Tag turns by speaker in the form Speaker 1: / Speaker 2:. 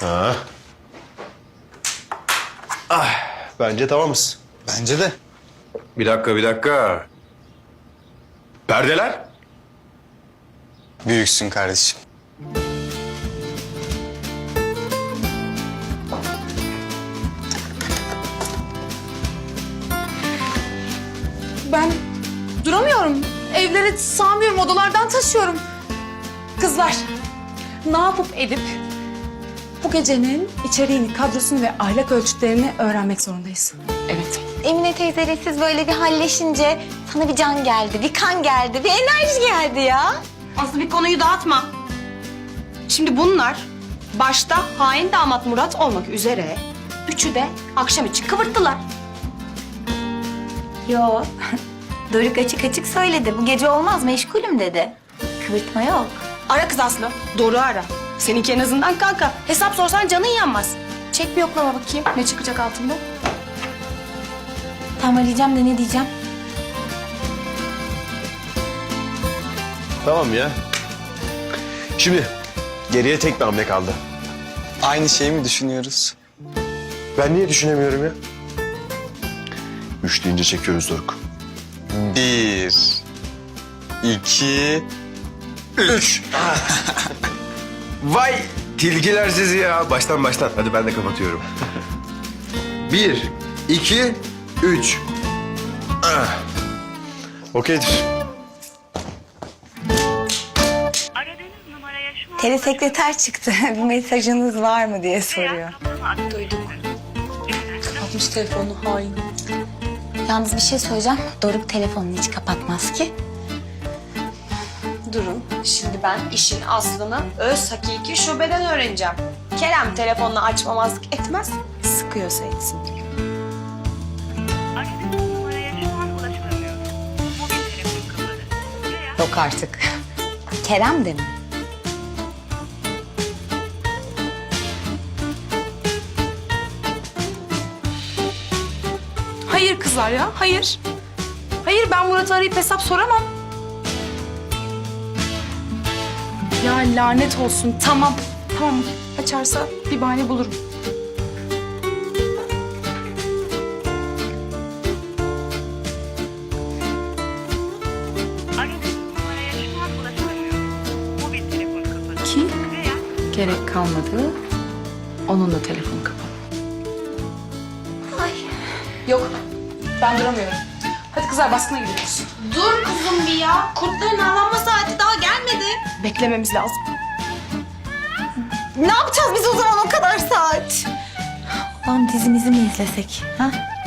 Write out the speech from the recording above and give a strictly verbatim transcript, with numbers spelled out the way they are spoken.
Speaker 1: Ha. Ah, bence tamamız.
Speaker 2: Bence de.
Speaker 1: Bir dakika, bir dakika. Perdeler?
Speaker 2: Büyüksün kardeşim.
Speaker 3: Ben duramıyorum. Evleri sağmıyorum, odalardan taşıyorum. Kızlar, ne yapıp edip bu gecenin içeriğini, kadrosunu ve ahlak ölçütlerini öğrenmek zorundayız. Evet.
Speaker 4: Emine teyzeyle siz böyle bir halleşince sana bir can geldi, bir kan geldi, bir enerji geldi ya.
Speaker 5: Aslı bir konuyu dağıtma. Şimdi bunlar başta hain damat Murat olmak üzere üçü de akşam için kıvırttılar.
Speaker 4: Yo, Doruk açık açık söyledi. Bu gece olmaz, meşgulüm dedi. Kıvırtma yok.
Speaker 5: Ara kız Aslı, doğru ara. Seninki en azından kanka. Hesap sorsan canın yanmaz. Çek bir yoklama bakayım ne çıkacak altında.
Speaker 4: Tam arayacağım da ne diyeceğim?
Speaker 1: Tamam ya. Şimdi geriye tek bir hamle kaldı.
Speaker 2: Aynı şeyi mi düşünüyoruz?
Speaker 1: Ben niye düşünemiyorum ya? Üç deyince çekiyoruz Doruk.
Speaker 2: Bir, iki, üç.
Speaker 1: Vay tilkiler sizi ya. Baştan baştan. Hadi ben de kapatıyorum. Bir, iki, üç. Ah. Okeydir.
Speaker 6: Aradığınız numaraya şu an
Speaker 4: Telesekreter çıktı. Bir mesajınız var mı diye soruyor.
Speaker 3: Duyduk. Kapatmış telefonunu, hain.
Speaker 4: Yalnız bir şey söyleyeceğim. Doruk telefonunu hiç kapatmaz ki.
Speaker 5: Durun, şimdi ben işin aslını öz hakiki şubeden öğreneceğim. Kerem telefonunu açmamazlık etmez, sıkıyorsa etsin.
Speaker 6: aradığınız numaraya şu an ulaşılamıyor. Mobil telefon kapalı. Veya
Speaker 4: Yok artık. Kerem de mi?
Speaker 3: Hayır kızlar ya, hayır. Hayır, ben Murat'ı arayıp hesap soramam. Ya lanet olsun, tamam. Tamam, açarsa bir bahane bulurum.
Speaker 6: aradığınız numaraya şu an ulaşılamıyor. Mobil telefon kapalı.
Speaker 3: Ki
Speaker 6: Veya
Speaker 3: gerek kalmadı. Onun da telefonu kapalı.
Speaker 4: Ay.
Speaker 3: Yok, ben duramıyorum. Hadi kızlar, baskına gidiyoruz.
Speaker 5: Dur kuzum bir ya. Kurtların avlanma saati daha gelmedi. Beklememiz lazım.
Speaker 4: Ne yapacağız biz o zaman o kadar saat? Lan dizimizi mi izlesek? Ha?